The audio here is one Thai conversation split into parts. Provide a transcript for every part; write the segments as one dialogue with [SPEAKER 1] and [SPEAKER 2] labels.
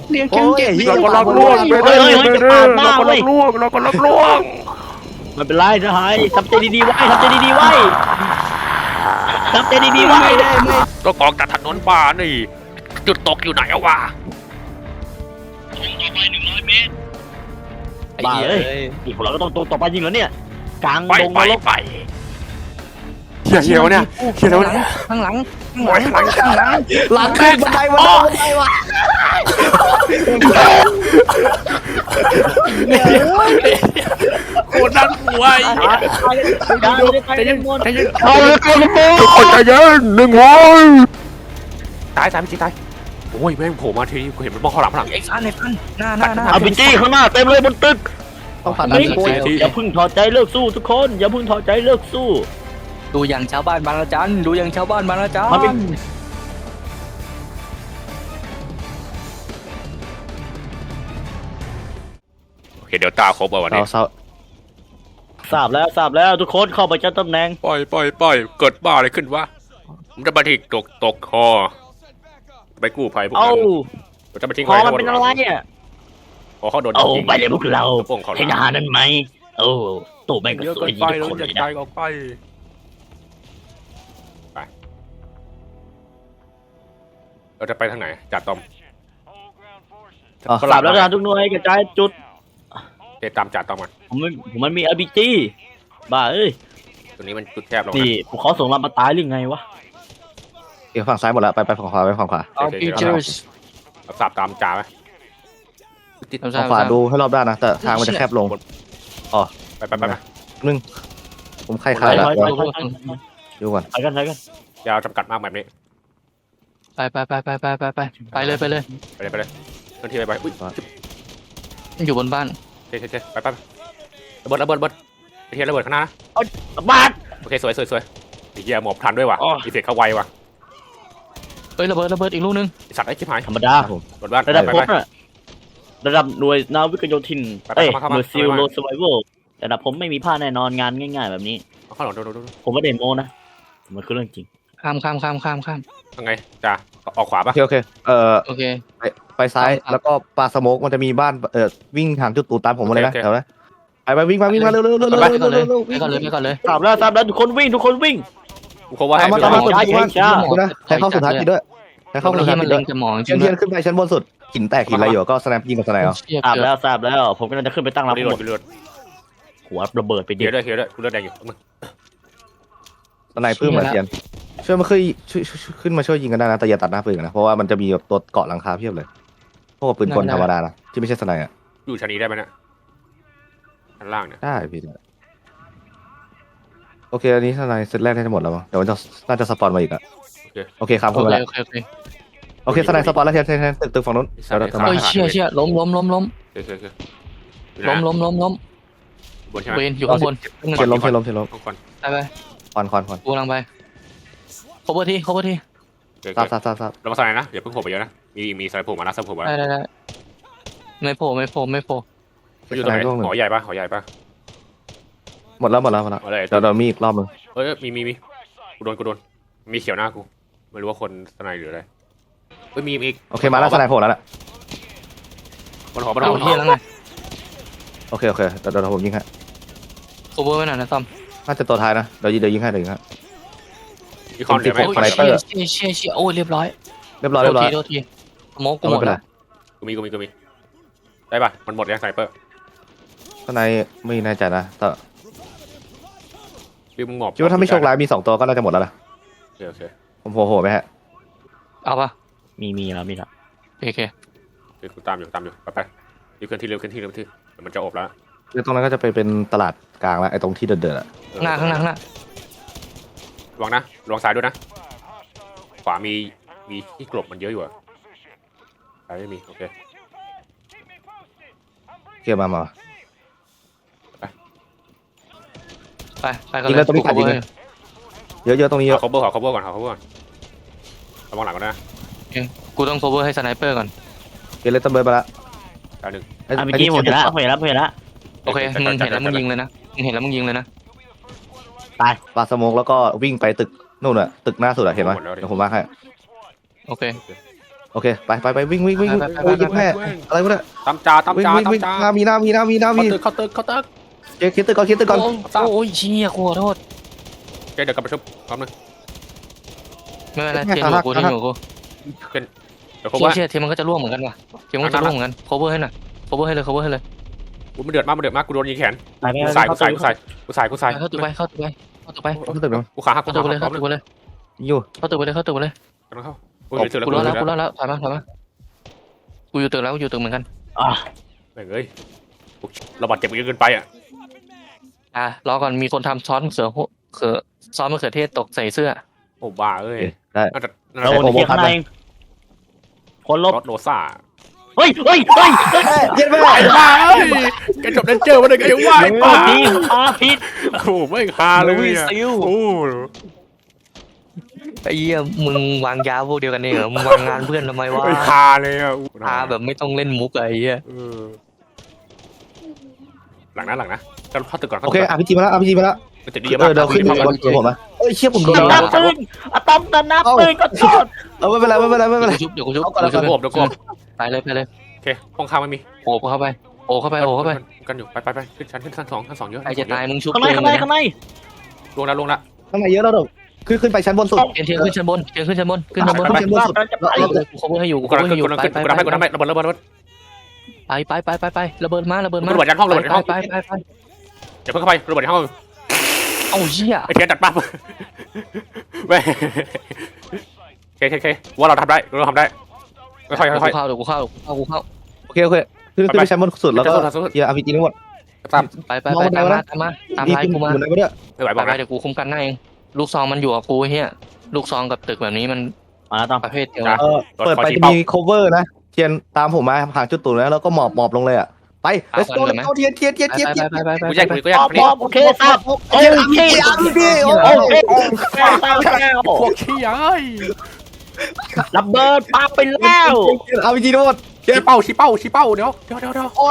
[SPEAKER 1] เรียกกันเก็บ
[SPEAKER 2] เราก็ล็อกล่วงไปเลยเราก็ล็อกล่วงเราก็ล็อกล่วง
[SPEAKER 3] ไม่เป็นไรนะไฮทำใจดีๆไว้ทำใจดีๆไว้ทำใจดีๆไว้
[SPEAKER 2] ก็กองจากถนนป่านี่จุดตกอยู่ไหนวะ
[SPEAKER 3] บ้าเลยอีกคนเราก็ต้องตรงต่อไปยิงแล้วเนี่ยกลาง
[SPEAKER 2] ไป
[SPEAKER 3] ดง
[SPEAKER 2] ไป
[SPEAKER 3] นรก
[SPEAKER 2] ไปเฮียวเนี่ยเฮียวเนี่ย
[SPEAKER 1] ข้างหลัง
[SPEAKER 2] หลัง
[SPEAKER 1] หลังขึ้นบันไดบันไดว่ะ
[SPEAKER 2] โคตรน่ากลัวใจเย็นใจเย็น
[SPEAKER 3] เอาเลยเอาเลย
[SPEAKER 2] ทุกคนใจเย็นหนึ่งวันตายไม่จริงตายโอ้ยแม่งโผล่มาทีกูเห็นมันมองข้างหลังข้างหลัง
[SPEAKER 1] ไอ้ซันหน้า
[SPEAKER 3] เอาบิจี้ข้างหน้าเต็มเลยบนตึก
[SPEAKER 1] ต้องผ่าน
[SPEAKER 3] อย่าพึ่งถอดใจเลิกสู้ทุกคนอย่าพึ่งถอดใจเลิกสู้
[SPEAKER 1] ดูอย่างชาวบ้านบางระจันดูอย่างชาวบ้านบางระจัน
[SPEAKER 3] มันเป็น
[SPEAKER 2] โอเคเดี๋ยวตาครบวันนี้
[SPEAKER 3] ทราบแล้วทุกคนเข้าไปจัดตำแหน่ง
[SPEAKER 2] ปล่อยเกิดบ้าอะไรขึ้นวะมันจะมาทิ้งตกคอไปกู้ภัยพวก
[SPEAKER 3] เอ้า
[SPEAKER 2] นั้นจะมาทิ้ง
[SPEAKER 3] คอมันเป็นอะไรเนี่ย
[SPEAKER 2] พอเขาโดน
[SPEAKER 3] เอาไปเลยพวกเรา
[SPEAKER 2] ป้องเขา
[SPEAKER 3] เห็นทหารนั้นไหมโอ้ตู้แม่งก็
[SPEAKER 2] เยอะ
[SPEAKER 3] ส
[SPEAKER 2] เกิ
[SPEAKER 3] วย
[SPEAKER 2] น
[SPEAKER 3] ดี
[SPEAKER 2] ไป
[SPEAKER 3] ทุก
[SPEAKER 2] แล้ว
[SPEAKER 3] คน
[SPEAKER 2] อ
[SPEAKER 3] เลย
[SPEAKER 2] ย่า
[SPEAKER 3] นะ
[SPEAKER 2] ใจออกไปเราจะไปทางไหนจัดตอม
[SPEAKER 3] ทราบแล้วนะทุกหน่วยกระจายจุด
[SPEAKER 2] เดี๋ยวตามจัดตอมกัน
[SPEAKER 3] ผมมันมีอาร์บีจีบ้าเอ้ย
[SPEAKER 2] ตัวนี้มันจุดแคบลง
[SPEAKER 3] นี่พวกเขาส่งเรามาตายหรือไงวะ
[SPEAKER 4] เดี๋ยวฝั่งซ้ายหมดแล้วไปฝั่งขวาไปฝั่งขวา
[SPEAKER 1] เอาฟีเจอร์ส
[SPEAKER 2] สับตามจ่าไหม
[SPEAKER 4] ฝั่งขวาดูให้รอบด้านนะแต่ทางมันจะแคบลง
[SPEAKER 2] ไป
[SPEAKER 4] นึงผมใคร
[SPEAKER 3] ถ
[SPEAKER 4] ขา
[SPEAKER 3] อย
[SPEAKER 4] ด
[SPEAKER 3] ถ
[SPEAKER 4] แล้
[SPEAKER 3] อ
[SPEAKER 4] วย
[SPEAKER 3] ถอย
[SPEAKER 4] ดูก่อน
[SPEAKER 3] ถอยกัน
[SPEAKER 2] ยาวจำกัดมากแบบนี้
[SPEAKER 1] ไปเลย
[SPEAKER 2] ไปเลยเคลื่อนที่ไปอุ้ย
[SPEAKER 1] อยู่บนบ้าน
[SPEAKER 2] เท่ไประเบิดไปเทียนระเบิดข้างหน้า
[SPEAKER 3] บาด
[SPEAKER 2] โอเคสวยไอ้เหี้ยหมอบทันด้วยว่ะอีเฟกเข้าไวว่ะ
[SPEAKER 1] เฮ้ยระเบิดอีกลูกนึง
[SPEAKER 2] สัตว์ไอ้ชิบหาย
[SPEAKER 3] ธรรมดา
[SPEAKER 2] บนบ้าน
[SPEAKER 3] ระดับ
[SPEAKER 2] ไป
[SPEAKER 3] ผมน่ะระดับหน่วยนาวิกโยธิน
[SPEAKER 2] ไป
[SPEAKER 3] หน่วยซิลโลสไวเวลระดับผมไม่มีผ้าแน่นอนงานง่ายๆแบบนี้
[SPEAKER 2] ข้างหลังดู
[SPEAKER 3] ผมไม่ได้โม้นะมันคือเรื่องจริง
[SPEAKER 1] ข้าม
[SPEAKER 2] ยังไงจ่าออกขวาปะ
[SPEAKER 4] โอเค
[SPEAKER 1] โอเค
[SPEAKER 4] ไปซ้ายแล้วก็ปลาสโมกมันจะมีบ้านวิ่งทางจุดตูตามผมมาเลยนะแถวนั้นไปวิ่งมาเร็ว
[SPEAKER 1] ไปก่อนเลย
[SPEAKER 3] ทราบแล้วทุกคนวิ่ง
[SPEAKER 2] กูเขาว่าให้
[SPEAKER 4] ตามมา
[SPEAKER 3] ช้า
[SPEAKER 4] นะใช้เข้าสุดท้ายทีด้วยใช้เข้าสุดท้าย
[SPEAKER 1] มั
[SPEAKER 4] ที
[SPEAKER 1] น
[SPEAKER 4] ด้
[SPEAKER 1] เล็
[SPEAKER 4] วย
[SPEAKER 1] งจะหมองจ
[SPEAKER 4] เที
[SPEAKER 1] ริ
[SPEAKER 4] ย
[SPEAKER 1] ง
[SPEAKER 4] นขึ้นไปชั้นบนสุดหินแตกหินอะไรอยู่ก็สแนปยิงกับสแนป
[SPEAKER 1] เชี่ย
[SPEAKER 3] ทราบแล้วผมกำลังจะขึ้นไปตั้งรับ
[SPEAKER 2] รี
[SPEAKER 3] หมด
[SPEAKER 2] โหลด
[SPEAKER 3] หัวระเบิดไป
[SPEAKER 2] เฮี
[SPEAKER 3] ดิ
[SPEAKER 2] ยด้วยกูเลือดแดงอยู่มึง
[SPEAKER 4] สไนเปอร์เหมือนเทียนช่วยมาช่วยขึ้นมาช่วยยิงกันได้นะแต่อย่าตัดหน้าปืนนะเพราะว่ามันจะมีตัวเกาะหลังคาเพียบเลยพวกปืนกลธรรมดานะที่ไม่ใช่สไนอ่ะ
[SPEAKER 2] อยู่ชั้นนี้ได้ไหมเนี่ยชั้นล่างเนี่ย
[SPEAKER 4] ได้พี่โอเคอันนี้สไนเซตแรกน่าจะหมดแล้วมั้งเดี๋ยวมันจะน่าจะสปอนมาอีกอ่ะโอเคครับ
[SPEAKER 1] โอ
[SPEAKER 4] เข้ามา
[SPEAKER 1] เค
[SPEAKER 4] แล้ว โอเคสไนสปอนแล้วเทียนตึกฝั่งนู้น
[SPEAKER 1] เฮ้ยเชี่ยล้ม
[SPEAKER 2] โอเค
[SPEAKER 1] ล้ม
[SPEAKER 2] บนใช่ไหม
[SPEAKER 1] เวนอยู่ข้างบน
[SPEAKER 4] เทียนล้ม
[SPEAKER 2] ก่อน
[SPEAKER 1] ไป
[SPEAKER 4] ควัน
[SPEAKER 1] กูกำลังไป cover ที่
[SPEAKER 4] ทราบ
[SPEAKER 2] เรามาสไลด์นะอย่าเพิ่งโผล่ไปเยอะนะมีสไลด์โผล่มานะสไลด์โผล่มา
[SPEAKER 1] ได้ไม่โผล่
[SPEAKER 2] อยู่ตรงไหนหอใหญ่ปะ
[SPEAKER 4] หมดแล้ว
[SPEAKER 2] อะไร
[SPEAKER 4] เดี๋ยวมีอีกรอบนึง
[SPEAKER 2] เอ้ยมีกูโดนมีเขียวหน้ากูไม่รู้ว่าคนสไนหรืออะไรเอ้ยมีอีก
[SPEAKER 4] โอเคมาแล้วสไนโผล่แล้วน่ะ
[SPEAKER 2] บนหอบนห
[SPEAKER 1] เอา
[SPEAKER 2] อ
[SPEAKER 1] ที่แล้วไง
[SPEAKER 4] โอเคเดี๋ยวผมยิงให้
[SPEAKER 1] cover ไว้หน่อยนะต้อม
[SPEAKER 4] น่าจะตัวท้ายนะเดี๋ยวยิงให้
[SPEAKER 2] มีคอนเหลือไหม
[SPEAKER 1] โอ้ยเชี่ยโอ้ยเรียบร้อย
[SPEAKER 4] เรียบร้อย
[SPEAKER 1] โทษทีสโมกกูหมดแล้ว
[SPEAKER 2] กูมีได้ป่ะมันหมดยังไซเปอร์
[SPEAKER 4] สไนไม่แน่ใจนะแต่
[SPEAKER 2] มึงหมอบ
[SPEAKER 4] คิดว่าถ้าไม่โชคร้ายมี2ตัวก็น่าจะหมดแล้วนะ
[SPEAKER 2] โอเค
[SPEAKER 4] ผมโหไหมฮะ
[SPEAKER 1] เอาปะ
[SPEAKER 3] มีแล้ว
[SPEAKER 1] โอเค
[SPEAKER 2] กูตามอยู่ไปเคลื่อนที่เร็วเดี๋ยวมันจะอบแล้ว
[SPEAKER 4] คือตรงนั้นก็จะไปเป็นตลาดกลางแล้วไอ้ตรงที่เดินๆอ่ะ
[SPEAKER 1] ข้างหน้า
[SPEAKER 2] ระวังนะระวังซ้ายด้วยนะขวามีที่กลบมันเยอะอยู่อะซ้ายไม่มีโอเค
[SPEAKER 4] เกี่ยวมา
[SPEAKER 1] ไปกันเลย
[SPEAKER 4] เยอะตรงนี้เยอะ
[SPEAKER 2] ขอ cover ก่อนระวังหลังก่อนนะ
[SPEAKER 1] กูต้อง cover ให้สไนเปอร์ก่อน
[SPEAKER 4] เกลเลตเตอร์เบิร์ดไปละ
[SPEAKER 2] ดาวหนึ่ง
[SPEAKER 3] เมื่อกี้ผมเห็นแล้ว
[SPEAKER 1] โอเคมึงเห็นแล้วมึงยิงเลยนะ
[SPEAKER 4] ปาสโมกแล้วก็วิ่งไปตึกนู่นอ่ะตึกหน้าสุดอ่ะเห็นไหมเดี๋ยวผมมาให้
[SPEAKER 1] โอเค
[SPEAKER 4] โอโอเคไปวิ่งโอ้ยยิบแม่อะไรวะเนี่ย
[SPEAKER 2] ตามจ่าตาม
[SPEAKER 4] วิ่ง
[SPEAKER 2] จ่า
[SPEAKER 4] วิ่ง
[SPEAKER 2] ตาม
[SPEAKER 4] วิ่ง
[SPEAKER 2] จ่า
[SPEAKER 4] หน้ามี
[SPEAKER 2] เข้าตึก
[SPEAKER 4] เคลียร์ตึกก่อนเคลียร์ตึกก่อน
[SPEAKER 1] โอ้ยเชี่ยขอโทษ
[SPEAKER 2] โอเคเดี๋ยวกลับมาชุบพร้อมนึง
[SPEAKER 1] ไม่เป็นไรเทียนอยู่กูเทียนอยู่กู
[SPEAKER 2] เดี๋ยวเขาว่า
[SPEAKER 1] เชี่ยเทียนมันก็จะร่วงเหมือนกันว่ะเทียนมันก็จะร่วงเหมือนกัน cover ให้หน่อย cover ให้เลย cover ให้เลย
[SPEAKER 2] มันเดือดมากกูโดนยิงแขน
[SPEAKER 3] ไปไป
[SPEAKER 2] กู
[SPEAKER 3] ไป
[SPEAKER 2] ใส่
[SPEAKER 3] เข้าตึก
[SPEAKER 2] กู
[SPEAKER 1] เข้าตึกไปเข้าตึกไป
[SPEAKER 4] ตึกเนาะ
[SPEAKER 2] กูขาหัก
[SPEAKER 1] เข้าตึกไปเลยเข้าตึกไปเลย
[SPEAKER 4] อยู่
[SPEAKER 1] เข้าตึกไปเลยเข้าตึกไปเลย
[SPEAKER 2] กำลังเข้า
[SPEAKER 1] กูรอแล้วถอยมากูอยู่ตึกแล้วกูอยู่ตึกเหมือนกัน
[SPEAKER 3] อ่ะ
[SPEAKER 2] เฮ้ยเราบาดเจ็บเยอะเกินไปอ่ะ
[SPEAKER 1] รอก่อนมีคนทำซอสซอสมะเขือเทศตกใส่เสื้อ
[SPEAKER 2] โอ้บ้าเอ้ย
[SPEAKER 4] ได้
[SPEAKER 2] น่าจะ
[SPEAKER 3] เราเคลียร์ข้างในคนลบ
[SPEAKER 2] รถโนซ่า
[SPEAKER 3] เฮ้ย
[SPEAKER 4] เย็นไป
[SPEAKER 2] ไอ้บ้าเอ้ยแกจบเดนเจอร์มาได้ไงวะไอ้บ้า
[SPEAKER 3] ทีมผิด
[SPEAKER 2] โอ้โหไม่คาเลยอ่ะโอ้
[SPEAKER 1] ไอ้เหี้ยมึงวางยาพวกเดียวกันเนี่ยเหรอมึงวางงานเพื่อนทำไมวะ
[SPEAKER 2] ไม่คาเลยอ่ะ
[SPEAKER 1] พาแบบไม่ต้องเล่นมุกไอ้เหี้ย
[SPEAKER 2] หลังนะกันเข้าตึกก่อน
[SPEAKER 4] โอเคอาพีจีมาแล้ว
[SPEAKER 2] มันจะดีมาก
[SPEAKER 4] เดี๋ยวขึ้นบนผมนะเอ้ยเชี่ยผมโดน
[SPEAKER 3] นับปืนอะตอมตะนับปืนก็โทษ
[SPEAKER 4] ไม่เป็นไร
[SPEAKER 1] เดี๋ยวกูชุบ
[SPEAKER 2] เดี๋ยวกบ
[SPEAKER 1] ไปเลย
[SPEAKER 2] โอเคห้องข้างไม่มี
[SPEAKER 1] โอบเข้าไป
[SPEAKER 2] กันอยู่ไปขึ้นชั้นสองเยอะ
[SPEAKER 1] ใครจะตายมึงชุบ
[SPEAKER 3] ข้างใน
[SPEAKER 2] ลงละ
[SPEAKER 4] ข้างในเยอะแล้วเดี๋ยวขึ้นไปชั้นบนสุด
[SPEAKER 1] เทียนขึ้นชั้นบนขึ้นชั้นบน
[SPEAKER 4] ชั้นบนสุด
[SPEAKER 1] กู cover ให้อยู่
[SPEAKER 2] กูกำลังขึ้นกูทำให้ระเบิด
[SPEAKER 1] ไประเบิดมา
[SPEAKER 2] ระเบิดยันห้อง
[SPEAKER 1] ไป
[SPEAKER 2] อย่าเพิ่งเข้าไประเบิดห้อง
[SPEAKER 1] เอ้าเหี้ย
[SPEAKER 2] ไอ้เทียนดัดปั๊บเว้ยเคว่าเราทำได้ค่อย
[SPEAKER 1] เดี๋ยวกูเข้า
[SPEAKER 4] โอเคขึ้นไปชั้นบนสุดแล้วก็เคลียร์อาพีจีทั้งหมด
[SPEAKER 2] ตาม
[SPEAKER 1] ไปตามไลน์กูมา
[SPEAKER 4] อยู่ไหนวะเนี่ย
[SPEAKER 2] ไม่ไหวบอก
[SPEAKER 1] เดี๋ยวกูคุ้มกันให้เองลูกซองมันอยู่กับกูเฮียลูกซองกับตึกแบบนี้มัน
[SPEAKER 3] มาแล้วตอม
[SPEAKER 1] ประเภทเดียว
[SPEAKER 4] เปิดไปจะมี cover นะเทียนตามผมมาผ่านจุดตูนแล้วก็หมอบลงเลยอ่ะไป let's go เทียน
[SPEAKER 1] ไป
[SPEAKER 2] กูแยก
[SPEAKER 3] โอเคตามโอเค
[SPEAKER 2] พวกขี้ย้าย
[SPEAKER 3] ระเบิดปาไปแล้ว
[SPEAKER 4] อาพีจีทั้งหมด
[SPEAKER 2] ชี้เป้าเดี๋ยว
[SPEAKER 4] ไป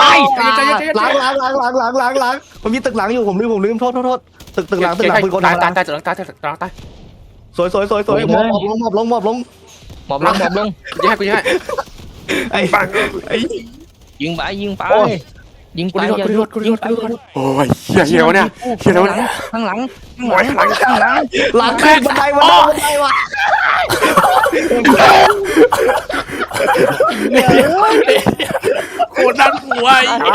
[SPEAKER 4] ล้างมันมีตึกหลังอยู่ผมลืมโทษตึกหลังปืนกล
[SPEAKER 2] ตาย
[SPEAKER 4] สวยหมอบลง
[SPEAKER 1] หมอบลง
[SPEAKER 2] กูให้
[SPEAKER 4] ไอ้
[SPEAKER 1] ยิงไป
[SPEAKER 2] โอ้ยเหี้ยวเนี่ย
[SPEAKER 1] ข้างหลัง
[SPEAKER 4] หลังขึ้นบันไดวะ
[SPEAKER 2] โคตรน่ากลัว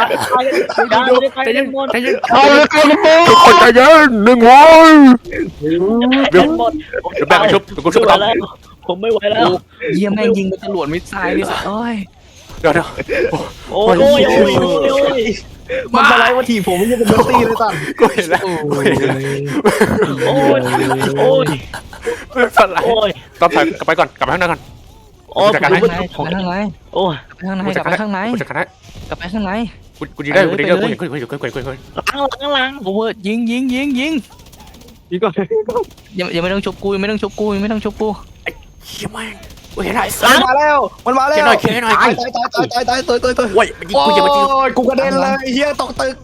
[SPEAKER 2] ทุกคนใจเย็นหนึ่งวันเดี๋ยวแบ่งชุบกูชุบต่อ
[SPEAKER 3] ผมไม่ไหวแล้ว
[SPEAKER 1] เยี่ยมแม่งยิงเป็นจรวดมิสไซล์ดิโอ้ย
[SPEAKER 2] เดี๋ยว
[SPEAKER 3] โอ้ย
[SPEAKER 4] มันอะไรวะทีผมไม่ใช่เป็นดนตรีเลยตั้ง
[SPEAKER 2] กูเห็นแล้ว
[SPEAKER 3] โอ้ย
[SPEAKER 2] ไม่เป็นไรต้องกลับไปก่อนกลับไปข้างในก่อน
[SPEAKER 3] โอ้ย
[SPEAKER 1] ข้างใน
[SPEAKER 3] โอ้ย
[SPEAKER 1] กลับไปข้างใน
[SPEAKER 2] กูจะกันได้
[SPEAKER 1] กลับไปข้างใน
[SPEAKER 2] กูยิงได้กูยิงกู
[SPEAKER 3] หลัง
[SPEAKER 1] โอเวอร์ยิง
[SPEAKER 4] นี่ก็
[SPEAKER 1] ยังไม่ต้องชุบกูยังไม่ต้องชุบกู
[SPEAKER 2] เชี่ยแม่งกูเห็นไรสั
[SPEAKER 4] มันมาแล้ว
[SPEAKER 2] เขียนหน่อย
[SPEAKER 4] ตายตัว
[SPEAKER 2] โอ้ยมันยิงกูยิง
[SPEAKER 4] กูกระเด็นเลยเฮียตกตึก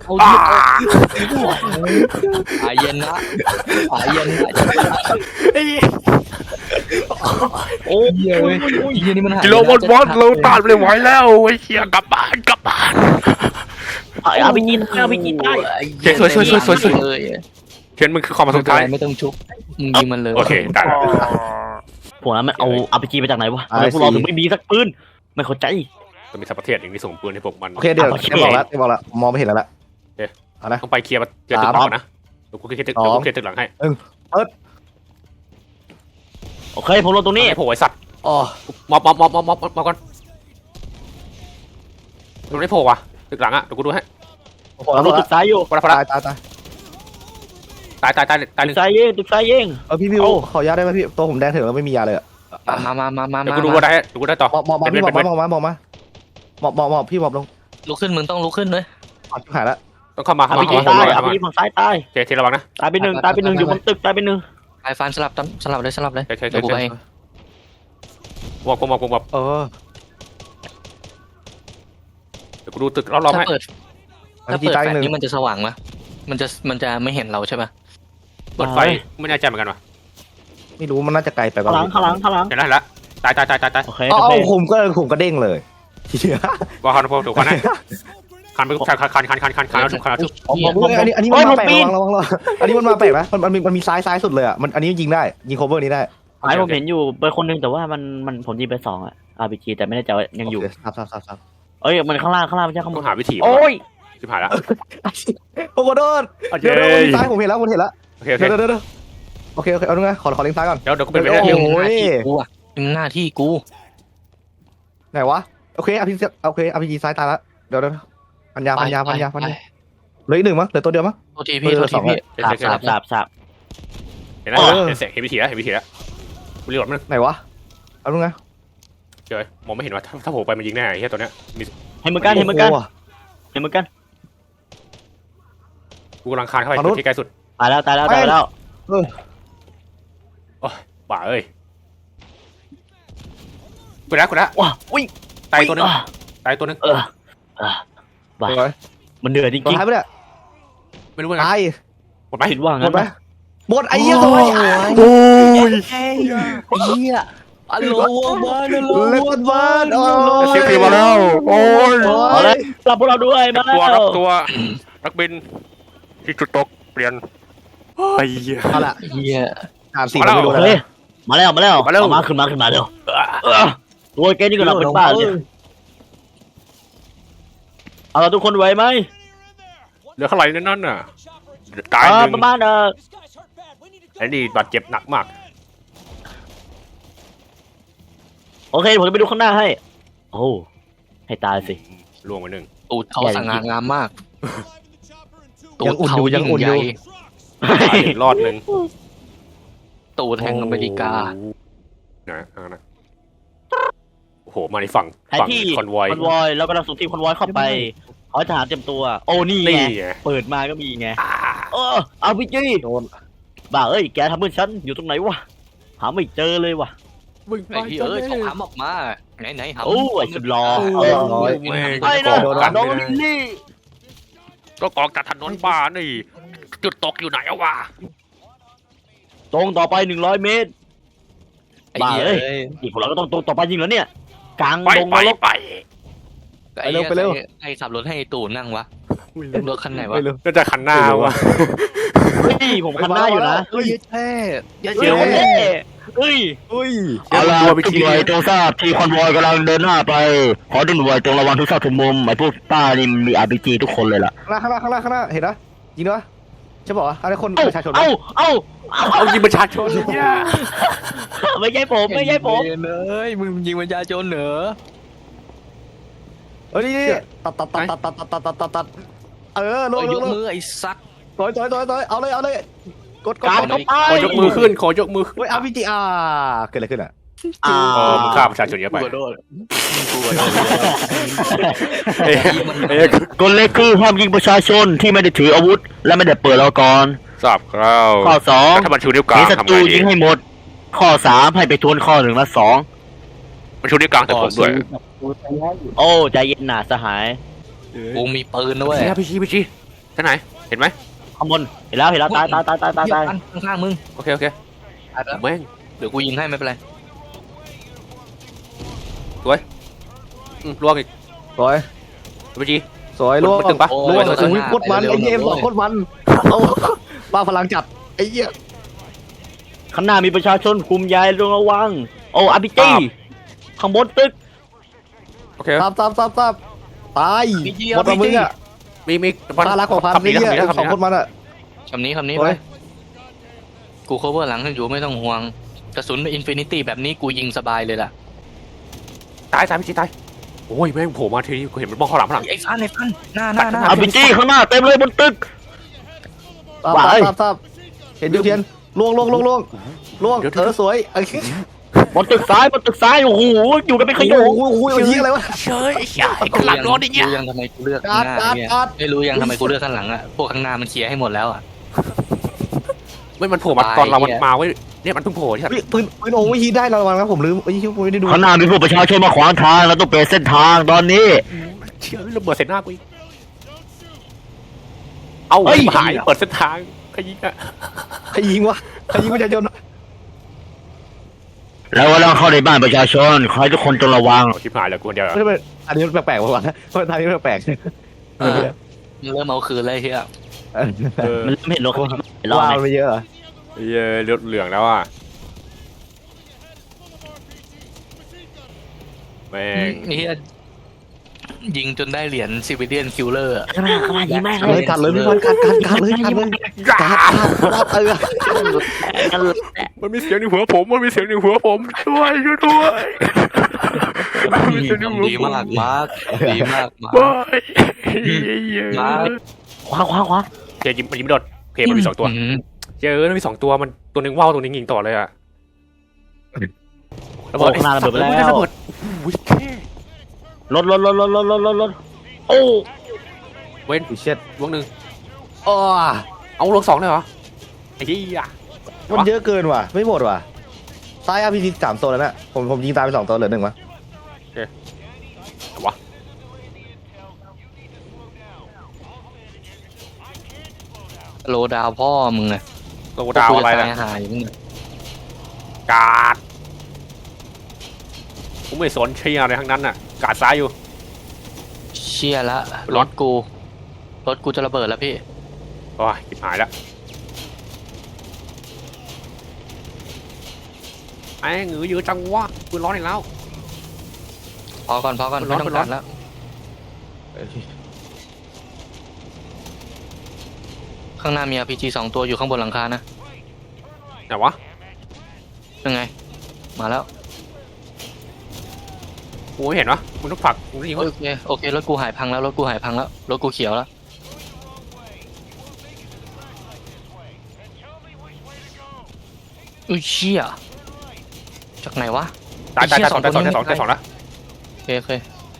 [SPEAKER 1] หายเย็นนะ
[SPEAKER 3] โอ้ย
[SPEAKER 1] เย็นนี่มันหาย
[SPEAKER 2] กิโลวัตเราต้านไม่ไหวแล้วไอ้เชี่ยกลับบ้าน
[SPEAKER 3] เอาไปกินได้
[SPEAKER 2] สวยเขียนมึงคือความสุดท้าย
[SPEAKER 1] ไม่ต้องชุบมึงยิงมันเลย
[SPEAKER 2] โอเคได้
[SPEAKER 3] พวกนั้นมันเอาอาพีจีมาจากไหนวะทำไมพวกเราถึงไม่มีสักปืนไม่เข้าใจ
[SPEAKER 2] จะมีสัพเทศอย่างนี้ส่งปืนให้พวกมัน
[SPEAKER 4] โอเคเดี๋ยวบอกแล้วมองไม่เห็นแล้วล่ะเอานะ
[SPEAKER 2] ต้องไปเคลียร์ตึกต่อนะกูเคลียร์ตึกหลังให้
[SPEAKER 3] โอเคผมลงตรงนี้
[SPEAKER 2] ไอ้โผล่ไอ้สัตว์
[SPEAKER 4] อ๋อ
[SPEAKER 2] มอบก่อนตรงนี้โผล่ว่ะตึกหลังอ่ะเดี๋ยวกูดูให้
[SPEAKER 4] พอแล้ว
[SPEAKER 3] ลงตึกซ้ายอยู่
[SPEAKER 2] พอแล้ว
[SPEAKER 4] ตาย
[SPEAKER 2] ตายห
[SPEAKER 3] ตึ
[SPEAKER 2] นึ่
[SPEAKER 3] ก
[SPEAKER 2] ง
[SPEAKER 3] ซ้ายเย่ตึกซ้ายเย่
[SPEAKER 4] พี่ขอยาได้ไหมพี่ตัวผมแดงถึงแล้วไม่มียาเลยอ่ะ
[SPEAKER 1] มา
[SPEAKER 2] เดี๋ยวกูดูว่าได้เดี๋ยวกูได้ต่อ
[SPEAKER 4] หมอบพี่หมอบพี่หมอบลง
[SPEAKER 1] ลุกขึ้นมึงต้องลุกขึ้นเลย
[SPEAKER 4] หายแล้ว
[SPEAKER 2] ต้องเข้ามา
[SPEAKER 3] อาพีจีตายอาพีจีฝั่งซ้ายตาย
[SPEAKER 2] เทระวังนะ
[SPEAKER 3] ตายไปหนึ่งอยู่บนตึกตายไปหนึ่ง
[SPEAKER 1] ไอ้ฟันสลับเลย
[SPEAKER 2] เท
[SPEAKER 1] เดี๋ยวกูไปเอง
[SPEAKER 2] วอบเดี๋ยวกูดูตึกรอบๆให้
[SPEAKER 1] ถ้าเปิดแฟลชนี้มันจะสว่างมั้ยมันจะไม่เห็นเราใช่ป่ะ
[SPEAKER 2] เปิดไฟไม่แน่ใจเหมือนกันว่ะ
[SPEAKER 4] ไม่รู้มันน่าจะไกลไป
[SPEAKER 3] ข้างหลัง
[SPEAKER 2] เห็นแล้วตายตายตายตายตาย
[SPEAKER 3] โอเค
[SPEAKER 4] เอา
[SPEAKER 3] โอเค
[SPEAKER 4] ผมก็เด้งเลยเหี้ย
[SPEAKER 2] ว่าคันพอถูกคันให้คันไปคันแล้วถูกคันแล้วถูก
[SPEAKER 4] เฮ้ยอันนี้มันมาแปลกระวังอันนี้มันมาแปลกนะมันมีซ้ายสุดเลยอ่ะอันนี้ยิงได้ยิง cover นี้ได้
[SPEAKER 3] ไอ้ผมเห็นอยู่ไปคนนึงแต่ว่ามันผมยิงไป2 RPG แต่ไม่แน่ใจว่ายังอยู่
[SPEAKER 4] ครับ
[SPEAKER 3] เอ้ยมันข้างล่างไม่ใช่ข้างบ
[SPEAKER 2] ต้อน งหาวิธี
[SPEAKER 3] โอ้ย
[SPEAKER 2] ชิบหายแล้ว
[SPEAKER 4] โอ้โหโดนเดี๋ยวมีซ้ายผมเห็นแล้ว
[SPEAKER 2] โอเคโอเค
[SPEAKER 4] เดี๋ยวโอเคเอาดูนะขอเล็งซ้ายก่อน
[SPEAKER 2] เดี๋ยวกูเป็นไปได้
[SPEAKER 4] โอ้
[SPEAKER 1] ยัง
[SPEAKER 4] โห
[SPEAKER 1] หน้าที่กูอะยังหน้าที่กู
[SPEAKER 4] ไหนวะโอเคRPG ซ้ายตายแล้วเดี๋ยวพันยาเหลืออีก1มั้งเหลือตัวเดียวมั้ง
[SPEAKER 1] โทษทีพี่โทษทีพี่
[SPEAKER 3] สาบ
[SPEAKER 2] เห็นแล้วเห็นวิธีแล้วกูรีโหลดมัน
[SPEAKER 4] ไหนวะเอาดูนะ
[SPEAKER 2] เจอมองไม่เห็นว่าถ้าผมไปมันยิงแน่ไอ้เหี้ยตัวเนี้ยมี
[SPEAKER 3] เห็นเหมือนกัน
[SPEAKER 2] กูกำลังคานเข้าไปที่ใกล้สุด
[SPEAKER 3] ตายแล้ว
[SPEAKER 2] บ้าเอ้ยกูนะ
[SPEAKER 3] ว้าอุ้ย
[SPEAKER 2] ตายตัวนึง
[SPEAKER 3] บ้ามันเหนื่อยจ
[SPEAKER 4] ตัว
[SPEAKER 3] ริง
[SPEAKER 4] ท้ายไปเนี่ย
[SPEAKER 2] ไม่รู้ว่าไง
[SPEAKER 4] ตาย
[SPEAKER 2] หมดไหม
[SPEAKER 3] ๆคิดว่า
[SPEAKER 4] หม
[SPEAKER 3] งั้
[SPEAKER 4] ด
[SPEAKER 3] น
[SPEAKER 4] ไหม
[SPEAKER 3] นะ
[SPEAKER 4] หมดไอ้เหี้ยสวย
[SPEAKER 1] โอ้ยเฮียอัลโหลบ้าน
[SPEAKER 4] เล็ดบ้านโอ้
[SPEAKER 2] เสียงผีมาแล้วโอ้ย
[SPEAKER 3] เอาเลยรับพวกเราด้วยมาแล้ว
[SPEAKER 2] ตัวนักบินที่จุดตกเปลี่ยนไอ้เหี้ย
[SPEAKER 4] เอาละ
[SPEAKER 1] เฮีย
[SPEAKER 4] อ่านสีไม่ดู
[SPEAKER 3] เฮ้
[SPEAKER 4] เลย
[SPEAKER 3] ยมาแล้วขึ้นมาเร็วโอ้ยแกนี่ก็หลับเป็นบ้าเลยเอาเราทุกคนไหวไหม
[SPEAKER 2] เหลือเท่าไหร่นั่นน่ะตายหนึ่ง
[SPEAKER 3] ประมาณ
[SPEAKER 2] ไอ้นี่บาดเจ็บหนักมาก
[SPEAKER 3] โอเคผมจะไปดูข้างหน้าให้โอ้ให้ตายสิ
[SPEAKER 2] ล่วงไปหนึ่ง
[SPEAKER 1] ตูดเขาสง่างามมาก
[SPEAKER 4] ยังอุ่นอยู่ยังอุ่นอยู่
[SPEAKER 2] ตายรอดหนึ่ง
[SPEAKER 1] ตูดแห่งอเมริกา
[SPEAKER 2] นะโอ้โหมาในฝั่ง
[SPEAKER 3] แผนที่
[SPEAKER 2] คอนวอย
[SPEAKER 3] เรากำลังส่งทีมคอนวอยเข้าไปขอทหารเตรียมตัว โอ้นี่ไง
[SPEAKER 2] นี่ไง
[SPEAKER 3] เปิดมาก็มีไงเอาพี่จี้
[SPEAKER 4] โดน
[SPEAKER 3] บ้าเอ้ยแกทำเพื่อนฉันอยู่ตรงไหนวะหาไม่เจอเลยวะ
[SPEAKER 1] ไอ้ที่เขาถามออกมาไหนหา
[SPEAKER 3] โอ้ไอ้สุดหล่อ
[SPEAKER 2] ไม่
[SPEAKER 3] ไอ้นะ
[SPEAKER 2] กัน
[SPEAKER 3] น้องลิลลี่
[SPEAKER 2] ก็กองจากถนนบ้านี่จุดตกอยู่ไหนวะ
[SPEAKER 3] ตรงต่อไป100 เมตร
[SPEAKER 1] ไอ้เหี้ย
[SPEAKER 3] อีกพวกเราก็ต้องตรงต่อไปยิงแล้วเนี่ยกลาง
[SPEAKER 2] ไป
[SPEAKER 3] ดง
[SPEAKER 2] ไป
[SPEAKER 3] นรก
[SPEAKER 2] ไป
[SPEAKER 1] ไอ้ขับรถให้ตู่นั่งวะรถคันไหนวะ
[SPEAKER 4] ไปเลย
[SPEAKER 2] น่าจะขันหน้าวะ
[SPEAKER 3] เฮ้ยผมคันหน้าอยู่นะ
[SPEAKER 1] เฮ้ยแท้อย่า
[SPEAKER 3] เฮ้
[SPEAKER 1] เจีย
[SPEAKER 3] ยว เฮ้ย
[SPEAKER 4] อุ้ย
[SPEAKER 3] เอาล่ะทุกหน่วยจงทราบที่คอนวอยกำลังเดินหน้าไปขอทุกหน่วยจงระวังทุกซอกทุกมุมไอ้พวกป้านี่มี RPG ทุกคนเลยล่ะ
[SPEAKER 4] ข้างหน้าเห็นนะยิงด้วยใช่ป่าวะอะไรคนประชาชน
[SPEAKER 2] เอายิงประชาชนเนี่ย
[SPEAKER 3] ไม่ใช่ผม
[SPEAKER 1] เลยมึงยิงวิญญาณโจรเหรอ
[SPEAKER 4] เฮ้ยนี่ตัดลง
[SPEAKER 1] ยกมือไอ้ซัก
[SPEAKER 4] ต่อยเอาเลยกด
[SPEAKER 3] การเข้าไป
[SPEAKER 2] ขอยกมือขึ้นขอยกมือ
[SPEAKER 4] เฮ้ยอาร์พีจีเกิดอะไรขึ้นอ่ะ
[SPEAKER 3] อ่า
[SPEAKER 2] มึงฆ่าประชาชนเยอะไป
[SPEAKER 1] กูโดน
[SPEAKER 2] เอ้ย
[SPEAKER 3] กฎเล็กคือห้ามยิงประชาชนที่ไม่ได้ถืออาวุธ และไม่ได้เปิดแล้วก่อน
[SPEAKER 2] ทราบครับ
[SPEAKER 3] ข้อ
[SPEAKER 2] ถ้ามันชูนิ้วก
[SPEAKER 3] 2
[SPEAKER 2] ลา
[SPEAKER 3] มี
[SPEAKER 2] ง
[SPEAKER 3] ศั
[SPEAKER 2] ทำ
[SPEAKER 3] ตรู
[SPEAKER 2] ไงดี
[SPEAKER 3] ยิงให้หมด ข้อ 3 ให้ไปทวนข้อ 1 และ
[SPEAKER 2] มันชูนิ้วกลางแต่ผมด้วย
[SPEAKER 3] 2 โอ้ใจเย็นหนาสหาย
[SPEAKER 1] กูมีปืนนะเว้ย
[SPEAKER 2] พี่ชี้ท่านไหนเห็นไหม
[SPEAKER 3] ข้างบนเห็นแล้วตาย
[SPEAKER 1] ข้างๆมึง
[SPEAKER 2] โอเคแม่ง
[SPEAKER 1] เดี๋ยวกูยิงให้ไม่เป็นไร
[SPEAKER 2] ล่วงอีก
[SPEAKER 4] สวย
[SPEAKER 2] พี่ชี้
[SPEAKER 4] สวยล่วง
[SPEAKER 2] มันตึงปะ
[SPEAKER 4] ล่วงโอ้ยโคตรมันไอ้เกมโคตรมันเอาป้าพลังจัดไอ้เหี้ย
[SPEAKER 3] ข้างหน้ามีประชาชนกลุ่มใหญ่ต้องระวัง โอ้อาร์พีจีข้างบนตึก
[SPEAKER 2] โอเค
[SPEAKER 4] ซับตายหมดมามึงอ่ะ
[SPEAKER 2] มี
[SPEAKER 4] พารักของพันนี่เนี่ยสองคนมันอ่ะ
[SPEAKER 1] คำนี้ไปกู cover หลังให้อยู่ไม่ต้องห่วงกระสุนอินฟินิตี้แบบนี้กูยิงสบายเลยล่ะ
[SPEAKER 2] ตายพี่ชี้ตายโอ้ยแม่งโผล่มาทีนี้กูเห็นมันมองข้างหลัง
[SPEAKER 1] ไอ้ฟันหน้า
[SPEAKER 3] อาร์พีจีข้างหน้าเต็มเลยบนตึก
[SPEAKER 4] ซับเห็นยูเทียนล่วงสวย
[SPEAKER 3] บนตึกซ้ายโอ้โหอยู่กันเป็นขยง
[SPEAKER 4] โอ้โหยิงอะไรวะ
[SPEAKER 2] เฉยไอ้ข้างหลังร้อนอย่างเงี้ย
[SPEAKER 1] รู้ยังทำไมกูเลือกข้างหน้าเนี่ยไม่รู้ยังทำไมกูเลือกข้างหลังอ่ะพวกข้างหน้ามันเคลียร์ให้หมดแล้วอ่ะ
[SPEAKER 2] ไม่มันโผล่มาตอนเรามันมาเว้ยเนี่ยมันเพิ่งโผล่ใช่ไหม
[SPEAKER 4] ปืนโอ้ยฮีได้ระวังนะผมลืมไอ้ที่ผมไม่ได้ดู
[SPEAKER 3] ข้างหน้ามีพวกประชาชนมาขวางทางเราต้องเปลี่ยนเส้นทางตอนนี้
[SPEAKER 2] เชื่อระเบิดเสร็จหน้ากูอีกเอาหายเปิดเส้นทางขยิงอ่ะ
[SPEAKER 4] ใครยิงวะใครยิงประชาชน
[SPEAKER 3] แล้วก็ต้องเข้าในบ้านประชาชนขอให้ทุกคนจงระวัง
[SPEAKER 2] เอาชิบหายเลยกูคนเดียวเหรอ
[SPEAKER 4] ไม่เป็นอันนี้แปลกๆป่าวะทางนี้แปลก
[SPEAKER 1] เออเริ่มเอาคืนเลยเฮีย
[SPEAKER 4] ๆ
[SPEAKER 2] เออ
[SPEAKER 3] มันไม่เห็นรถเขารอ
[SPEAKER 4] ว้าว
[SPEAKER 3] ไหม
[SPEAKER 4] ไม่เยอะเหรอ
[SPEAKER 2] เหี้ยเลือดเหลืองแล้วอ่ะแม่ง
[SPEAKER 1] เฮียยิงจนได้เหรียญซิวิเลียนคิลเลอร์
[SPEAKER 3] ข้างหน้ายิงแม่ง
[SPEAKER 4] เลยกัดเลยพี่บอลกัดเลยกัด
[SPEAKER 3] กัน
[SPEAKER 2] มันมีเสียงในหัวผมมันมีเสียงในหัวผมช่วยด้วยมันมีเสียงในหัว
[SPEAKER 1] ดี
[SPEAKER 2] ผม
[SPEAKER 1] มากมาร์คดีมากมาร์ค
[SPEAKER 2] บาย
[SPEAKER 1] มาร์ค
[SPEAKER 3] ขวา
[SPEAKER 2] เจยิงมันยิงไม่โดนเพมันมี2 ตัว
[SPEAKER 1] อืม
[SPEAKER 2] เจมันมี2 ตัวมันตัวหนึงว่าวตัวหนึงยิงต่อเลยอ่ะ
[SPEAKER 3] ระเบิดข้างหน้าระเบิดไปแล้ว
[SPEAKER 2] ระเบิดอุ้ยแค่
[SPEAKER 3] รถโอ้
[SPEAKER 2] เว้น
[SPEAKER 4] อีเช็ด
[SPEAKER 2] ลวงหนึ่ง
[SPEAKER 4] อ๋อ
[SPEAKER 2] เอาลวง2เลยเหรอไอ้เหี้ย
[SPEAKER 4] มันเยอะเกินว่ะไม่หมดว่ะซ้าย RPG 3 ตัวแล้วน่ะผมยิงตายไป2 ตัวเหลือ1วะ
[SPEAKER 2] วะ
[SPEAKER 1] โลดาวพ่อมึงไง
[SPEAKER 2] โลดาวอะไร
[SPEAKER 1] นะ
[SPEAKER 2] นะ
[SPEAKER 1] หายมึงอะ
[SPEAKER 2] กาดผมไม่สนเชียอะไรทั้งนั้นน่ะกาดซ้ายอยู่
[SPEAKER 1] เชี่ยละรถกูจะระเบิดแล้วพี่
[SPEAKER 2] โอ้ยจิบหายแล้วไอ้หงือเยอะจังวะปืนร้อนอีกแล้ว
[SPEAKER 1] พอก่อนไม่ต้องกัดแล้วข้างหน้ามี RPG 2 ตัวอยู่ข้างบนหลังคานะ
[SPEAKER 2] ไหนวะ
[SPEAKER 1] ยังไง มาแล้ว
[SPEAKER 2] กูไม่เห็นวะมึงต้องผลักมึงต้องยิงวะ
[SPEAKER 1] โอเครถกูหายพังแล้วรถกูเขียวแล้วอุ้ยเชี่ยจากไหนวะ
[SPEAKER 2] ตาย
[SPEAKER 1] ไอ้เหี้ย
[SPEAKER 2] สอง
[SPEAKER 1] สองคนนี้
[SPEAKER 2] แล้ว
[SPEAKER 1] โอเค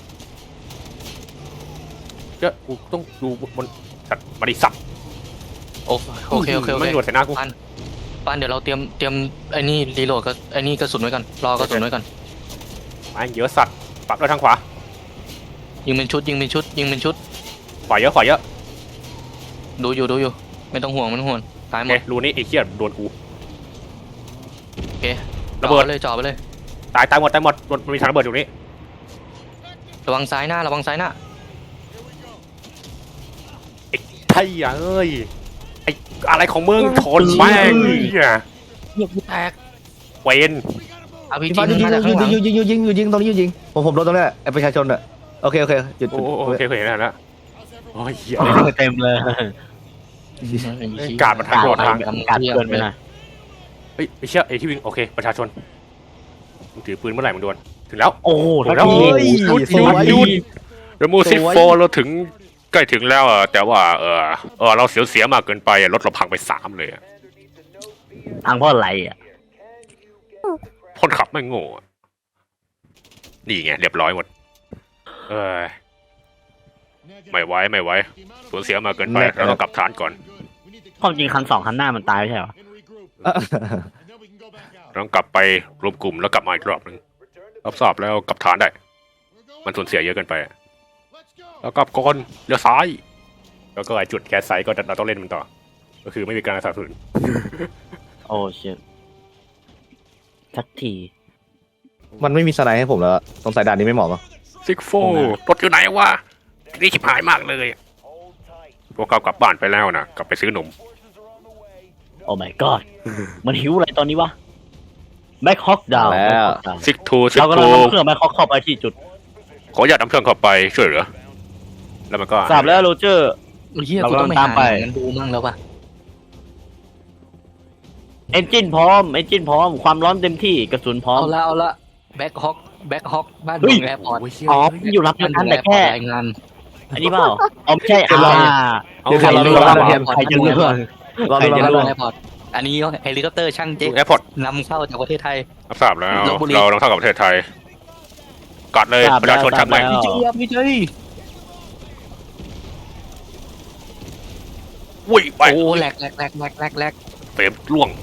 [SPEAKER 2] เจ้ากูต้องดูบนสัตว์บริษัท
[SPEAKER 1] โอเค
[SPEAKER 2] ไม่หนวดใส่หน้ากู
[SPEAKER 1] ปานเดี๋ยวเราเตรียมไอ้นี่รีโหลดกับไอ้นี่กระสุนไว้ก่อนรอกระสุนไว้ก่อน
[SPEAKER 2] ไอ้เยอะสัตว์ปรับด้วยทางขวา
[SPEAKER 1] ยิงเป็นชุด
[SPEAKER 2] ขวาเยอะ
[SPEAKER 1] ดูอยู่ไม่ต้องห่วงตายหม
[SPEAKER 2] โอ
[SPEAKER 1] ด
[SPEAKER 2] เครูนี้ไอ้เหี้ยโดนกู
[SPEAKER 1] โอเค
[SPEAKER 2] ระเบิด
[SPEAKER 1] จ่อไปเลย
[SPEAKER 2] ตายหมดมันมีทางระเบิดอยู่นี้
[SPEAKER 1] ระวังซ้ายหน้า
[SPEAKER 2] ไอ้เอ้ยไอ้อะไรของมึงชนแม่งเหี้ย
[SPEAKER 1] เหยียบแตก
[SPEAKER 2] เวน
[SPEAKER 1] RPG
[SPEAKER 4] พี่บอลยิง
[SPEAKER 1] มาจากข้างหลัง
[SPEAKER 4] ยิงตรงนี้ยิงผมโดนตรงนี้ไอ้ประชาชนอ่ะโอเคหยุด
[SPEAKER 2] โอเคเห็นแล้วโอ้ยเหี้ย
[SPEAKER 3] เต็มเลย
[SPEAKER 2] กาดมันทางโดดทาง
[SPEAKER 3] กัดเกินไปหน่อย
[SPEAKER 2] เฮ้ยไอ้เชี่ยไอ้ที่วิ่งโอเคประชาชนมึงถือปืนเมื่อไหร่มึงโดนถึงแล้ว
[SPEAKER 3] โอ้โห
[SPEAKER 2] ถึงแล้ว
[SPEAKER 4] สวย
[SPEAKER 2] เดมูซิโฟเราถึงใกล้ถึงแล้วแต่ว่าเราเสียมากเกินไปรถเราพังไป3เลย
[SPEAKER 3] ทางเพราะอะไรอ่ะ
[SPEAKER 2] คนขับไม่โง่นี่ไงเรียบร้อยหมดไม่ไหวสูญเสียมากเกินไปเราต้องกลับฐานก่อน
[SPEAKER 3] ความจริงคัน2คันหน้ามันตายไม่ใช่เหรอ
[SPEAKER 2] เราต้องกลับไปรวมกลุ่มแล้วกลับมาอีกรอบนึงรับทราบแล้วกลับฐานได้มันสูญเสียเยอะเกินไปแล้วก็ก่อนเลี้ยวซ้ายแล้วก็ไอ้จุดแคสไซก็เราต้องเล่นมันต่อก็คือไม่มีการสนับสนุน
[SPEAKER 3] โอ้เชี่ยสักที
[SPEAKER 4] มันไม่มีสไนด์ให้ผมแล้วสงสัยด่านนี้ไม่เหมาะมั้ง
[SPEAKER 2] ซิกโฟรถอยู่ไหนวะนี่ชิบหายมากเลยพวกเขากลับบ้านไปแล้วนะกลับไปซื้อนม
[SPEAKER 3] โอ้ my god มันหิวอะไรตอนนี้วะแบ็คฮอกดาว
[SPEAKER 2] ซิกทูซิก
[SPEAKER 3] เรากำลั
[SPEAKER 2] ทู
[SPEAKER 3] งนำเครื่องแบ็คฮอกเข้าไปที่จุด
[SPEAKER 2] ขออย่าตนำเครื่องเข้าไปช่วยเหลือแล้วมันก็
[SPEAKER 3] ทราบแล้วโรเจอร์
[SPEAKER 1] เฮีย
[SPEAKER 3] เรา
[SPEAKER 1] กูต้อง
[SPEAKER 3] กำลังตามไป
[SPEAKER 1] ไปหาหนังดูมั่งแล้วป่ะ
[SPEAKER 3] เอนจินพร้อมความร้อนเต็มที่กระสุนพร้อม
[SPEAKER 1] เอาละแบ็คฮอกบ้าน
[SPEAKER 3] เฮ้
[SPEAKER 1] ด
[SPEAKER 3] ย
[SPEAKER 1] งแอร์พอร์ต
[SPEAKER 3] อ๋ออยู่รับงานแต่แค่
[SPEAKER 1] รายงาน
[SPEAKER 3] อันนี้เปล่าอ๋อไม่ใช่
[SPEAKER 4] เดี๋ยวรอ
[SPEAKER 3] อ่า
[SPEAKER 4] เดี๋ยวเรา
[SPEAKER 3] ใคร
[SPEAKER 4] เรา
[SPEAKER 3] จะ
[SPEAKER 4] ใครจะรู้เพื่อนเรา
[SPEAKER 1] บ้านด
[SPEAKER 4] เรา
[SPEAKER 1] ง
[SPEAKER 4] เรา
[SPEAKER 1] แอร์พอร์ตอันนี้เฮลิคอปเตอร์ช่างเจ๊ก
[SPEAKER 2] แอร์พอร์ต
[SPEAKER 1] นำเข้าจากประเทศไทย
[SPEAKER 2] รับทราบแล้ว
[SPEAKER 1] ลพบุรี
[SPEAKER 2] เราต้องเข้ากับประเทศไทยกัดเลยประชาชนทำไง
[SPEAKER 1] พี่เจ๊ย
[SPEAKER 2] วิ่งไป
[SPEAKER 1] โอ้แหลก
[SPEAKER 2] เฟรมล่วง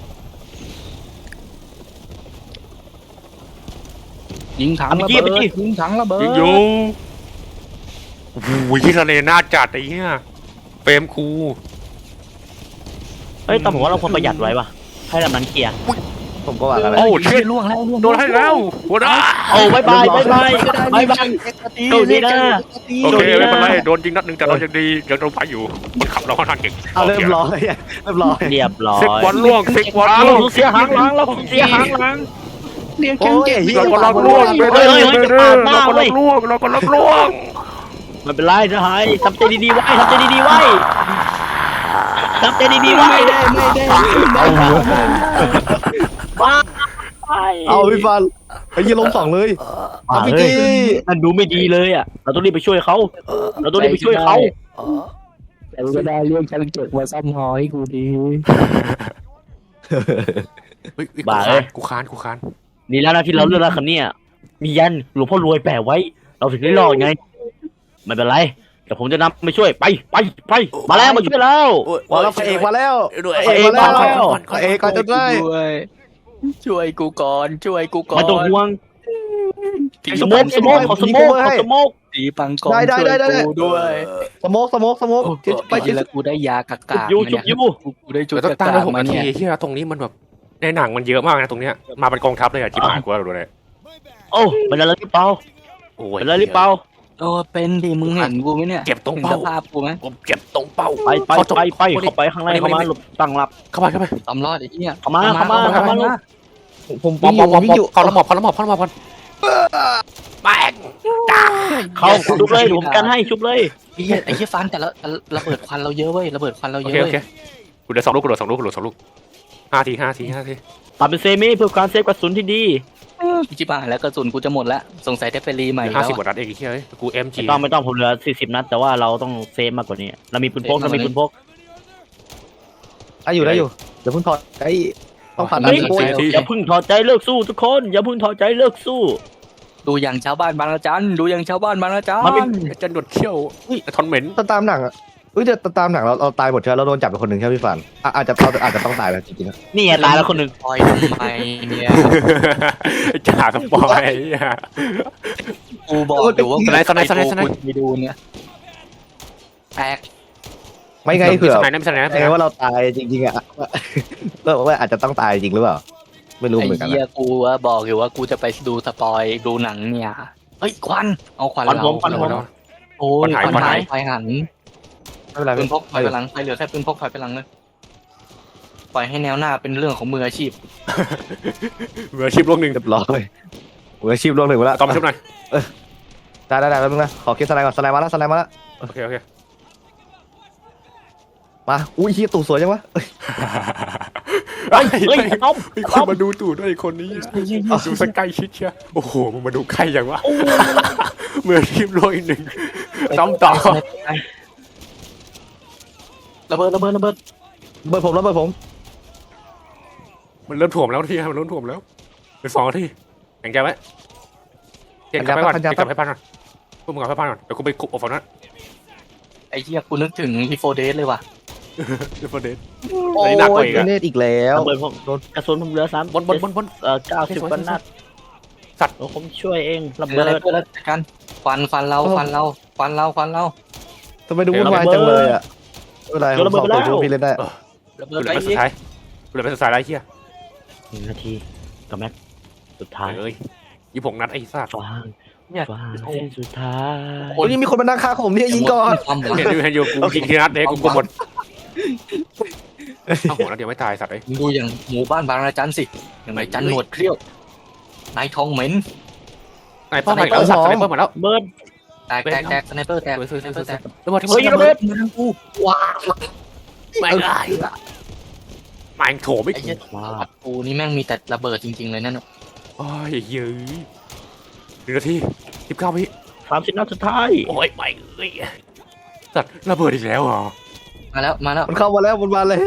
[SPEAKER 1] ยิงถังระเบิดยิงถังระเบิด
[SPEAKER 2] ยิงอยู่โอ้โหทะเลน่าจัดไอ้เหี้ยเฟรมคู
[SPEAKER 3] เฮ้ยแต่ผมว่าเราควรประหยัดไว้ว่ะให้ลำนั้นเคลียร์
[SPEAKER 4] ผมก็ว่ากัน
[SPEAKER 2] โอ้
[SPEAKER 4] แล้ว
[SPEAKER 2] เชิด
[SPEAKER 1] ล่วงแล้วล่วง
[SPEAKER 2] โดนให้แล้วหัวหน้า
[SPEAKER 3] โอ้บายบายบายบายบายบายโชคดีนะ
[SPEAKER 2] โอเคไม่เป็นไรโดนจริงนัดหนึ่งแต่เรายังดียังโดนไปอยู่คนขับเราค่อนข้างเก่ง
[SPEAKER 4] เอาเรียบร้อยเรียบร้อย
[SPEAKER 3] เรียบร้อย
[SPEAKER 2] เซ็กบอลล่วงเซ็กบอลล่วง
[SPEAKER 3] เสียหางหลังเราเสียหางหลัง
[SPEAKER 1] เรียก
[SPEAKER 4] โอ้ย
[SPEAKER 2] เราก็ลักล่วงไปเรื่อยๆเราก็ลักล่วงเราก็ลักล่วง
[SPEAKER 3] ไม่เป็นไรนะฮายทำใจดีๆไว้ทำใจดีๆไว้ทำใจดีๆไว้
[SPEAKER 1] ไม่ได้
[SPEAKER 3] บ้า
[SPEAKER 4] เอาพี่ฟันไอ้ยี่ล้มสองเลยเอาพี่จี
[SPEAKER 3] มันดูไม่ดีเลยอ่ะเราต้องรีบไปช่วยเขาเราต้องรีบไปช่วยเขา
[SPEAKER 1] แต่ก็ได้เรื่องฉันเจ็บมาซ้ำหอยกูดี
[SPEAKER 2] กูค้าน
[SPEAKER 3] ดีแล้วนะที่เราเลือกแล้วคันนี้มียันหลวงพ่อรวยแปะไว้ เราถึงได้รอดไงไม่เป็นไรแต่ผมจะนำไปช่วยไปมาแล้วมาช่วยแล้ว
[SPEAKER 4] มาแล้วพระเอกมาแล้ว
[SPEAKER 3] พระเอกมาแล้ว
[SPEAKER 4] พระเอกก่อนจะได้
[SPEAKER 1] ช่วยกูก่อนช่วยกูก่อน
[SPEAKER 3] ไม่ต้องห่วง
[SPEAKER 1] ตี
[SPEAKER 3] สโมกขอสโมก
[SPEAKER 1] ตีปังกอนช่วยกูด้วย
[SPEAKER 4] สโมก
[SPEAKER 1] ไปกินแล้วกูได้ยากากา
[SPEAKER 3] ยู
[SPEAKER 1] กูได้จุด
[SPEAKER 2] เราต้อง
[SPEAKER 1] กา
[SPEAKER 2] ตั้ง
[SPEAKER 1] กา
[SPEAKER 2] ได้6
[SPEAKER 1] มา
[SPEAKER 2] นาที
[SPEAKER 1] เนี่ย
[SPEAKER 2] ที่ตรงนี้มันแบบในหนังมันเยอะมากนะตรงเนี้ยมาเป็นกองทัพเลยอะจิบหายกูแล้วดูเลย
[SPEAKER 3] โอ้เป็นอะไรหรือเปล่า
[SPEAKER 2] โอ้ย
[SPEAKER 3] เป็นอะไรหรือเปล่า
[SPEAKER 1] โอ้เป็นดิมึงเห็นกูไหมเนี่ย
[SPEAKER 2] เจ็บตรง
[SPEAKER 1] เห็น
[SPEAKER 2] เป้า
[SPEAKER 1] สภาพกูไหม
[SPEAKER 2] ผมเจ็บตรงเป้า
[SPEAKER 3] ไปเข้าไปข้างในเข้ามาหลบตั้งรับ
[SPEAKER 2] เข้าไป
[SPEAKER 1] ตำรอดไอ้เนี่ย
[SPEAKER 3] เข้ามา
[SPEAKER 4] ผม
[SPEAKER 2] มอบ
[SPEAKER 4] วิ่งอยู่
[SPEAKER 2] เขาละหมอบก่อนแป้ง
[SPEAKER 3] เขาชุบเลยผมกันให้ชุบเลย
[SPEAKER 1] ไอ้เหี้ยฟันแต่ละระเบิดควันเราเยอะเว้ยระเบิดควันเรา
[SPEAKER 2] โอ
[SPEAKER 1] เย
[SPEAKER 2] เค
[SPEAKER 1] อะ
[SPEAKER 2] โอ
[SPEAKER 1] เว้ย
[SPEAKER 2] เคกูเหลือ2 ลูก5 ที
[SPEAKER 3] ตัดเป็นเซมิเพื่อการเซฟกระสุนที่ดี
[SPEAKER 1] จิบหายแล้วกระสุนกูจะหมดแล้วสงสัยได้ไปรีใหม่แล้ว
[SPEAKER 2] 50กว่านัดเองไอ้เหี้ยกู MG
[SPEAKER 3] ไม่ต้องผมเหลือ40 นัดแต่ว่าเราต้องเซฟมากกว่านี้เรามีปืนพก
[SPEAKER 4] ได้อยู่เดี๋ยวเพิ่งถอดไอ้ต้องผ่าน
[SPEAKER 3] เฮ้ย
[SPEAKER 4] โอ้ย
[SPEAKER 3] อย่าพึ่งถอดใจเลิกสู้ทุกคนอย่าพึ่งถอดใจเลิกสู้
[SPEAKER 1] ดูอย่างชาวบ้านบางระจันดูอย่างชาวบ้านบางระจัน
[SPEAKER 3] มันเป็น
[SPEAKER 2] จะหนวดเขี้ยวทอนเหม็น
[SPEAKER 4] ตามหนังอ่ะเดี๋ยวตามหนังเราตายหมดใช่ไหมเราโดนจับไปคนหนึ่งใช่ไหมพี่ฟันอาจจะต้องตายแล้วจริงๆ
[SPEAKER 3] นี่ไงตายแล้วคนหนึ่ง
[SPEAKER 1] ปล่อยทำไมเนี่ย
[SPEAKER 2] จ่าสปอย
[SPEAKER 1] กูบอกอยู่ว่ากูไปดูเนี่ยแตก
[SPEAKER 4] ไม่ไงเผื่อ
[SPEAKER 2] ไหน
[SPEAKER 4] ไงว่าเราตายจริงๆอ่ะเราบอกว่าอาจจะต้องตายจริงหรือเปล่าไม่รู้
[SPEAKER 1] ไอ้
[SPEAKER 4] เหมือนกัน
[SPEAKER 1] เหี้ยกูว่าบอกอยู่ว่ากูจะไปดูสปอยดูหนังเนี่ยเฮ้ยควันเอาควันเราโอ้ยควันหายไฟหัน
[SPEAKER 4] ไม่เป็นไร
[SPEAKER 1] ปืนพกไฟไปหลังไฟเหลือแค่ปืนพกไฟไปหลังเลยปล่อยให้แนวหน้าเป็นเรื่องของมืออาชีพ
[SPEAKER 2] มืออาชีพโลกหนึ่ง
[SPEAKER 4] เรียบร้อยมืออาชีพโลกหนึ่งไปแล้ว
[SPEAKER 2] ต่อมาชุบหน่อย
[SPEAKER 4] ได้แป๊บนึงนะขอคิดสไลด์ก่อนสไลด์มาแล้ว
[SPEAKER 2] โอเค
[SPEAKER 4] มาอุ้ยเฮียตู่สวยจังวะ
[SPEAKER 3] เฮ้ยต้ม
[SPEAKER 2] มีคนมาดูตู่ด้วยคนนี้ดูสักใกล้ชิดเชียโอ้โหมึงมาดูใกล้อย่างวะมืออาชีพโลกอีกหนึ่งต้องต่อ
[SPEAKER 1] ระเบิด
[SPEAKER 4] เบิดผม
[SPEAKER 2] มันเริ่มถ่วมแล้วที่มันเริ่มถ่วมแล้วเป็น2 นาทีแข่งใจไว้เก็บกับให้พันก่อนพวกมึงกับให้พันก่อนเดี๋ยวกูไปคุบออกฝั่งนั้น
[SPEAKER 1] ไอ้เหี้ยกูนึกถึงรีโฟเดสเลยว่ะ
[SPEAKER 2] เดี๋ยวประเด็น
[SPEAKER 4] โอ้
[SPEAKER 2] อันนี้หนักกว่าอีกอะ
[SPEAKER 4] เนตอีกแล้ว
[SPEAKER 3] ระเบิดผมกระสุนผมเหลือ3
[SPEAKER 2] บน
[SPEAKER 3] 90 กว่านัด
[SPEAKER 2] สัตว์
[SPEAKER 3] ผมช่วยเองระ
[SPEAKER 1] เบิ
[SPEAKER 3] เบิ
[SPEAKER 1] ด
[SPEAKER 3] ด
[SPEAKER 1] แล้วกันฟันเรา
[SPEAKER 4] ทำไมดูวุ่นวายจังเลยอ่ะไม่เป็นไรผมสองตัวพี่เล่นได้
[SPEAKER 1] ระเบิ
[SPEAKER 2] กู
[SPEAKER 1] ด
[SPEAKER 2] เหลื
[SPEAKER 1] ไป
[SPEAKER 2] อไปสุดท้ายไรเฮีย
[SPEAKER 3] 1 นาทีกับแม็กสุดท้าย
[SPEAKER 2] เอ้ย26 นัดไอ้ซ่า
[SPEAKER 3] ฟาง
[SPEAKER 1] เนี่ย
[SPEAKER 3] ฟางเส้นสุดท้าย
[SPEAKER 4] โอ้ยนี่มีคนมานั่งฆ่าผมเนี่ยยิงก่อน
[SPEAKER 2] เห็นอยู่กูยิงทีนัดเด็กกูหมดโอ้โหนัดเดียวไม่ตายสัตว์ไอ้
[SPEAKER 1] มึงดูอย่างหมู่บ้านบางระจันสิอย่างไรจันหนวดเครี้ยวนายทองเหม็น
[SPEAKER 2] ไหนป้อมใหม่แล้วสัตว์สไนเปอร์มาแล้ว
[SPEAKER 3] เบิร์ด
[SPEAKER 1] แตกสไนเปอร์แตก
[SPEAKER 2] ระเบิด
[SPEAKER 3] เฮ้ยระเบิด
[SPEAKER 1] มาทางกูว้า
[SPEAKER 2] ไม่ได้แม่งโถไม่
[SPEAKER 1] ไอ้เหี้ยกูนี่แม่งมีแต่ระเบิดจริงๆเลยนั่น
[SPEAKER 2] โอ้ยเย้ย1 นาที19 วิ
[SPEAKER 3] 30 นัดสุดท้าย
[SPEAKER 2] โอ้ยไม่เอ้ยสัตว์ระเบิดอีกแล้วเหรอ
[SPEAKER 1] มาแล้ว
[SPEAKER 4] มันเข้ามาแล้วมันมาแล้ว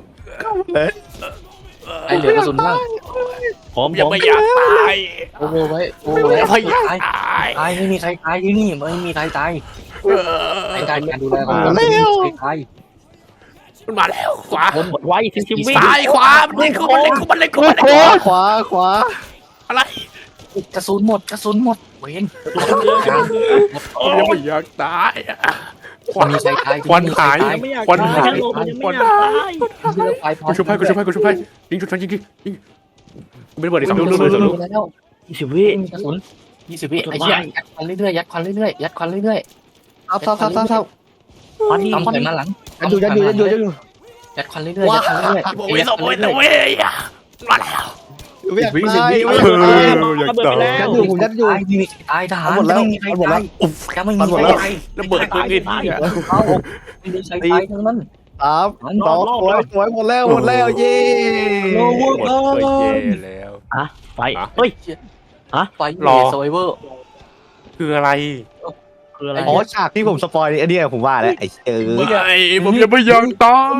[SPEAKER 1] ไอ้เหลือกระสุนบ้าง
[SPEAKER 2] ยังไม่อยากตาย
[SPEAKER 1] โอ้ไว้
[SPEAKER 2] ยังไม่อยากตาย
[SPEAKER 1] ตายไม่มีใครตายที่นี่ไม่มีใครตายไอ้การดูแลของใคร
[SPEAKER 2] มันมาแล้วขวา
[SPEAKER 3] ผมไว้ถึงชีวิต
[SPEAKER 2] ซ้ายขวามันเล่นกูมันเล่นกูมันเล่นกูมันเล่น
[SPEAKER 4] ข
[SPEAKER 2] กู
[SPEAKER 4] วา
[SPEAKER 2] อะไร
[SPEAKER 1] กระสุนหมดเวน
[SPEAKER 2] ยังไม่อยากตายควัน
[SPEAKER 1] มีใครตาย
[SPEAKER 2] ควันหาย
[SPEAKER 3] ไม่อยาก
[SPEAKER 2] ควันหาย
[SPEAKER 3] ตาย
[SPEAKER 2] ควัน
[SPEAKER 3] ไม่อยากตาย
[SPEAKER 1] เลือกไฟพอ
[SPEAKER 2] กูชุบให้ยิงจุดฟันยิงไม่ได้เปิดอีกสอง
[SPEAKER 1] ดู
[SPEAKER 2] ลูกเลยสองลูก
[SPEAKER 1] แล้ว
[SPEAKER 3] 20 วิ
[SPEAKER 1] กระสุน20 วิไอ้เหี้ยยัดควันเรื่อยๆยัดควันเรื่อยๆยัดควันเรื่อย
[SPEAKER 4] ซับ
[SPEAKER 3] ควันนี่
[SPEAKER 1] ๆต้อม
[SPEAKER 3] ควัน
[SPEAKER 1] ใส่
[SPEAKER 3] นี่
[SPEAKER 1] มาหลัง
[SPEAKER 4] ยัดอยู่
[SPEAKER 1] ยัดควันเรื่อยๆยัดควันเรื่อยๆ
[SPEAKER 2] โอ้ยสองโอ้ยมาแล้ว
[SPEAKER 4] ไม่อยากตาย
[SPEAKER 2] อยากตาย
[SPEAKER 4] ยัดอยู่ผมยัดอยู่
[SPEAKER 1] ตายทหาร
[SPEAKER 4] หมดแล้ว
[SPEAKER 1] ไม่มีใคร
[SPEAKER 4] หมดแล้
[SPEAKER 1] ตายว จะไม่มีใครตาย
[SPEAKER 2] ระเบิดตัวเองเนี่ย
[SPEAKER 1] เอาไม่มีใครตายทั้งนั้น
[SPEAKER 4] 3 2 สวยหมดแล้วเย้
[SPEAKER 2] หมดเลยเย่แล้ว
[SPEAKER 3] ไฟเฮ้ย
[SPEAKER 1] ไฟ
[SPEAKER 2] รอ
[SPEAKER 1] โซเวอร์
[SPEAKER 2] คืออะไร
[SPEAKER 3] คืออะไร
[SPEAKER 4] อ๋อฉากที่ผมสปอยอันนี้ผมว่าแล้วไอ้
[SPEAKER 2] ไม่ผมยังไม่อยากตาย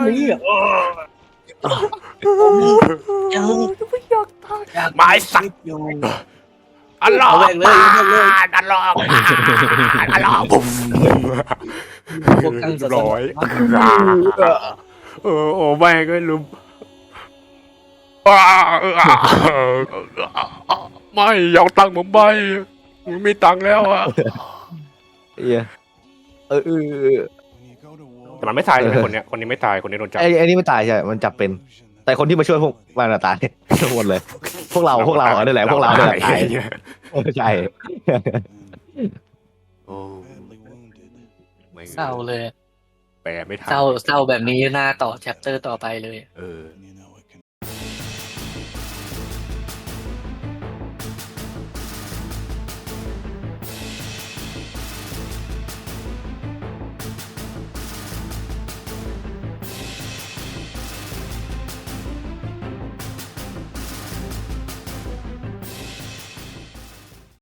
[SPEAKER 2] ไม้สัก
[SPEAKER 1] อยู่
[SPEAKER 2] อันลอกอันลอกอันลอกปุ๊บ
[SPEAKER 1] พวกกัน
[SPEAKER 2] ร้อยโอ้แม่งก็ลืมไม่อยากตังค์ผมไปไม่มีตังค์แล้วอ่ะ แต่มันไม่ตายเลยคนเนี้ยคนนี้ไม่ตายคนนี้โดนจับ
[SPEAKER 4] ไอ้นี่ไม่ตายใช่มันจับเป็น แต่คนที่มาช่วยพวกมันตายทั้งหมดเลย พวกเราเนี่ยแหละพวกเราเนี่ยแหละตายใช่
[SPEAKER 2] โอ้ไม่
[SPEAKER 1] เศร้าเลย
[SPEAKER 2] แปลไม่ทัน
[SPEAKER 1] เศร้าแบบนี้น่าต่อแชปเตอร์ต่อไปเลย
[SPEAKER 2] เออ